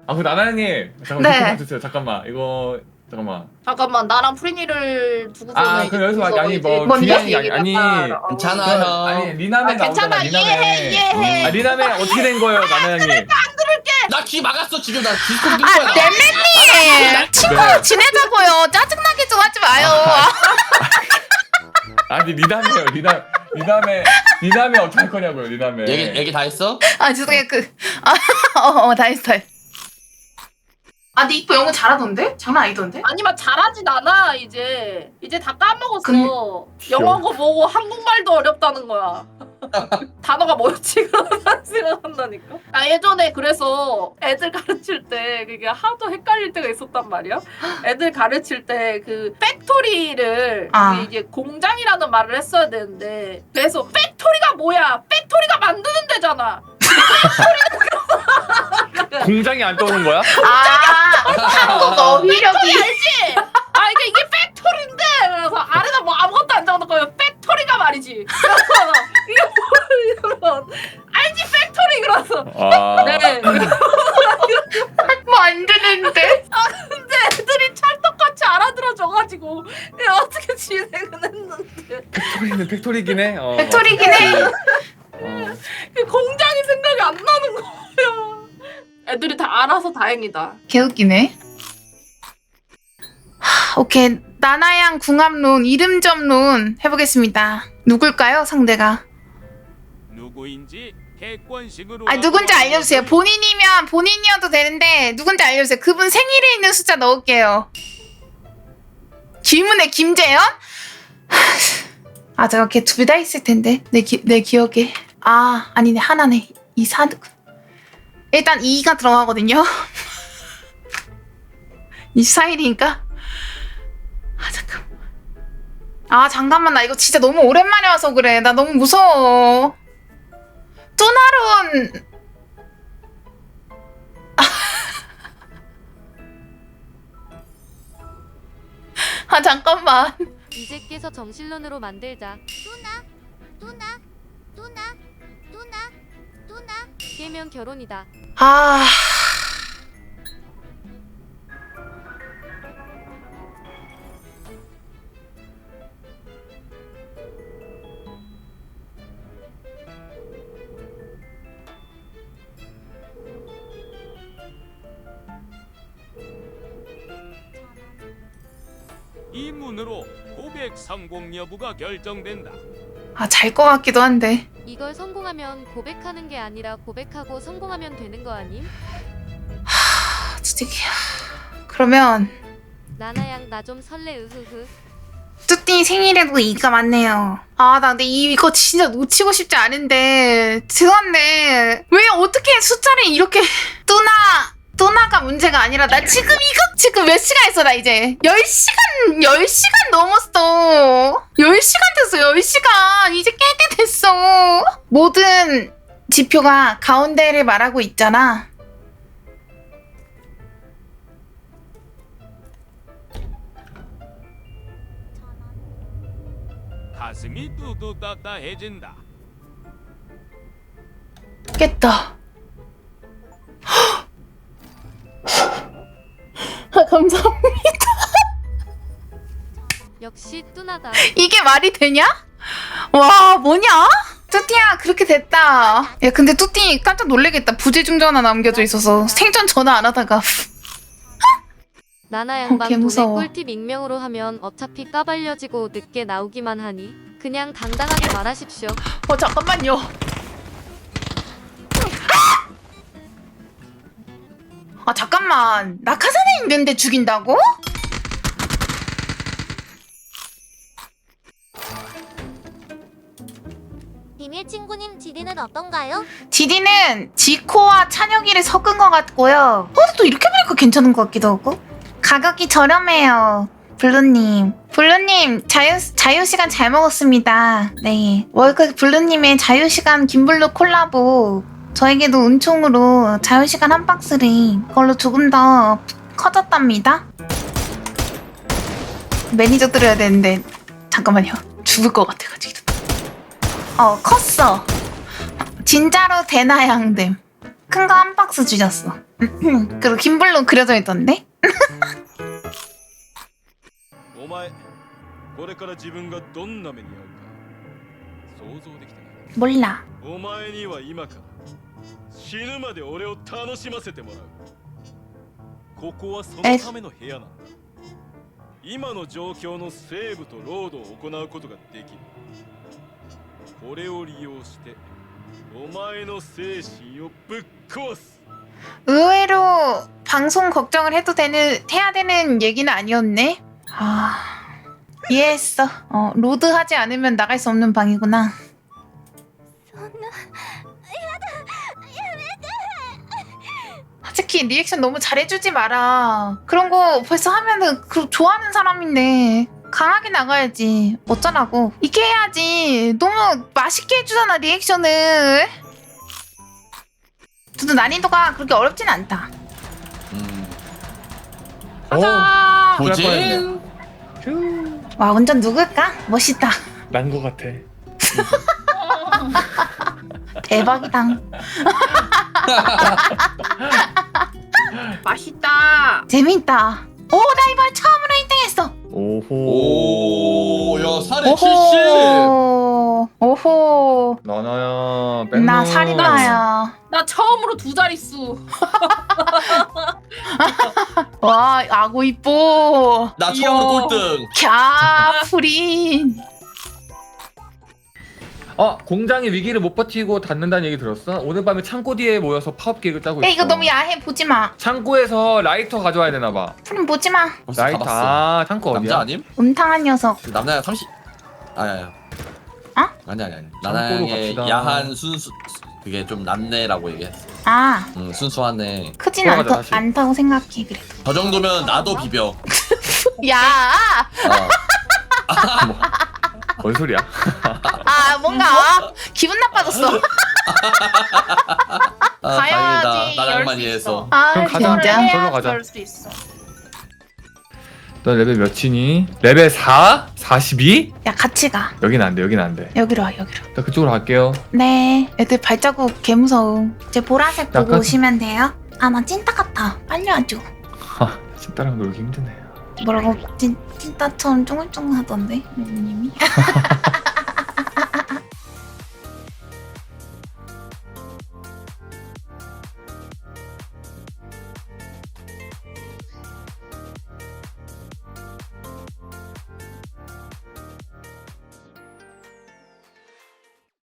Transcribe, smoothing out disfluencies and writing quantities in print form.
아, 그 나나님 잠깐만 네. 댓글 봐주세요. 잠깐만 이거 잠깐만. 잠깐만 나랑 프리니를 두고서는 아, 이제 그럼 여기서 아니 뭐 뭔데? 중요한 게 아니 괜찮아, 그, 형. 아니 리남에 괜찮아 나오잖아. 이해해 이해해. 아, 리남에 어떻게 된 거예요, 나나양님? 나 귀 막았어 지금. 나 디스코드 들 거야. 넬레님 친구로 네. 지내자고요. 짜증나게 좀 하지 마요. 아니 리남이에요. 리남에 어떻게 할 거냐고요, 리남에. 얘기 다 했어? 아 죄송해요. 다 했어 다 했어. 아 근데 이뻐 영어 잘하던데? 장난 아니던데? 아니면 잘하진 않아 이제 다 까먹었어. 영어고 뭐고 한국말도 어렵다는 거야. 단어가 뭐였지? 그런 생각한다니까. 아 예전에 그래서 애들 가르칠 때 그게 하도 헷갈릴 때가 있었단 말이야. 애들 가르칠 때 그 팩토리를 아. 이게 공장이라는 말을 했어야 되는데 그래서 팩토리가 뭐야? 팩토리가 만드는 데잖아. 공장이 안 떠오른 거야? 한국 어휘력이. 알지? 아 이게 팩토리인데 그래서 아래다 뭐 아무것도 안 적어놓고 팩토리가 말이지. 그래서 이게 뭐야? 알지 팩토리 그래서 아. 네. 뭐 안 되는데? 근데 애들이 찰떡같이 알아들어줘가지고 이게 어떻게 진행은 했는데 팩토리는 팩토리긴 해. 팩토리긴 해. 그 공장이 생각이 안 나는 거예요. 애들이 다 알아서 다행이다. 개웃기네. 오케이 나나양 궁합론 이름점론 해보겠습니다. 누굴까요 상대가? 누구인지 객관식으로 아 누군지 알려주세요. 본인이면 본인이어도 되는데 누군지 알려주세요. 그분 생일에 있는 숫자 넣을게요. 김은혜 김재현? 아 제가 걔 둘 다 있을 텐데 내 기억에. 아 아니네 하나네. 이사드 일단 2가 들어가거든요. 24일이니까 잠깐만 나 이거 진짜 너무 오랜만에 와서 그래. 나 너무 무서워. 뚜나론 잠깐만. 이제 깨서 정실론으로 만들자. 깨면 결혼이다. 아 이 문으로 고백 성공 여부가 결정된다. 잘 것 같기도 한데. 이걸 성공하면 고백하는 게 아니라 고백하고 성공하면 되는 거 아님? 진짜 그러면 나나양 나 좀 설레 으흐흐. 뚜띠 생일에도 2가 맞네요. 나 근데 이거 진짜 놓치고 싶지 않은데 죄송한데 왜 어떻게 숫자를 이렇게 뚜나가 문제가 아니라 나 지금 몇 시간 했어 나 이제 10시간 넘었어. 10시간 됐어 10시간. 이제 깰 때 됐어. 모든 지표가 가운데를 말하고 있잖아. 가슴이 뚜뚜따따해진다. 깼다. 감사합니다. 역시 뚜나다. 이게 말이 되냐? 와 뭐냐? 뚜띠야 그렇게 됐다. 야 근데 뚜띠 깜짝 놀래겠다. 부재중 전화 남겨져 있어서 생전 전화 안 하다가. 나나양방 돈에 무서워. 꿀팁 익명으로 하면 어차피 까발려지고 늦게 나오기만 하니 그냥 당당하게 말하십시오. 잠깐만요. 잠깐만 낙하산에 있는데 죽인다고? 비밀 친구님 지디는 어떤가요? 디디는 지코와 찬혁이를 섞은 것 같고요. 또 이렇게 보니까 괜찮은 것 같기도 하고. 가격이 저렴해요. 블루님 자유시간 잘 먹었습니다. 네 월크 블루님의 자유시간 김블루 콜라보 저에게도 은총으로 자유시간 한 박스를 그걸로 조금 더 커졌답니다. 매니저 들어야 되는데 잠깐만요. 죽을 것 같아가지고. 컸어. 진짜로 대나양됨. 큰 거 한 박스 주셨어. 그리고 김블루 그려져 있던데? お前これから自分がどんな目に遭うか想像できたな 몰라. お前には今から死ぬまで俺を楽しませてもらうここはそのための部屋なんだ今の状況のセーブとロードを行うことができるこれを利用してお前の精神をぶっ壊す 의외로 방송 걱정을 해야 되는 얘기는 아니었네. 아, 이해했어. 로드하지 않으면 나갈 수 없는 방이구나. 솔직히 리액션 너무 잘해주지 마라. 그런 거 벌써 하면은 좋아하는 사람인데 강하게 나가야지. 어쩌라고. 이렇게 해야지. 너무 맛있게 해주잖아 리액션을. 저도 난이도가 그렇게 어렵진 않다. 가자. 뭐지? 와 운전 누굴까? 멋있다. 난 거 같아. 대박이다. 맛있다. 재밌다. 오, 나 이번에 처음으로 1등했어. 오호. 오, 야, 살에 70! 오호. 오호. 나나야. 뺑 나 살인마야. 나 처음으로 2자릿수. 와, 아고 이뻐. 나 처음으로 꼴등. 캬, 프린. 공장이 위기를 못 버티고 닫는다는 얘기 들었어? 오늘 밤에 창고 뒤에 모여서 파업 계획을 짜고 있어. 야, 이거 너무 야해. 보지 마. 창고에서 라이터 가져와야 되나 봐. 프린 보지 마. 벌써 라이터. 가봤어. 창고 어디야? 남자 아님? 음탕한 녀석. 남자야 30. 아야야. 어? 아니. 창고로 나나양의 갑시다. 야한 순수 그게 좀 낫네라고 얘기했어. 아, 순수하네. 크진 돌아가자, 다시. 않다고 생각해. 그래도. 저 정도면 나도 비벼. 야, 뭔 소리야? 뭔가 기분 나빠졌어. 가야지, 다행이다. 나랑 열 많이 수 해서. 아, 그럼 가자. 진짜. 저로 가자. 열수 있어. 너 레벨 몇이니? 레벨 4? 42? 야, 같이 가. 여긴 안 돼. 여긴 안 돼. 여기로 와, 여기로. 나 그쪽으로 갈게요. 네, 애들 발자국 개 무서움. 이제 보라색 보고 약간- 오시면 돼요. 아, 나 찐따 같아. 빨리 와줘. 찐따랑 놀기 힘드네. 뭐라고 찐따처럼 쫑글쫑글하던데, 님이.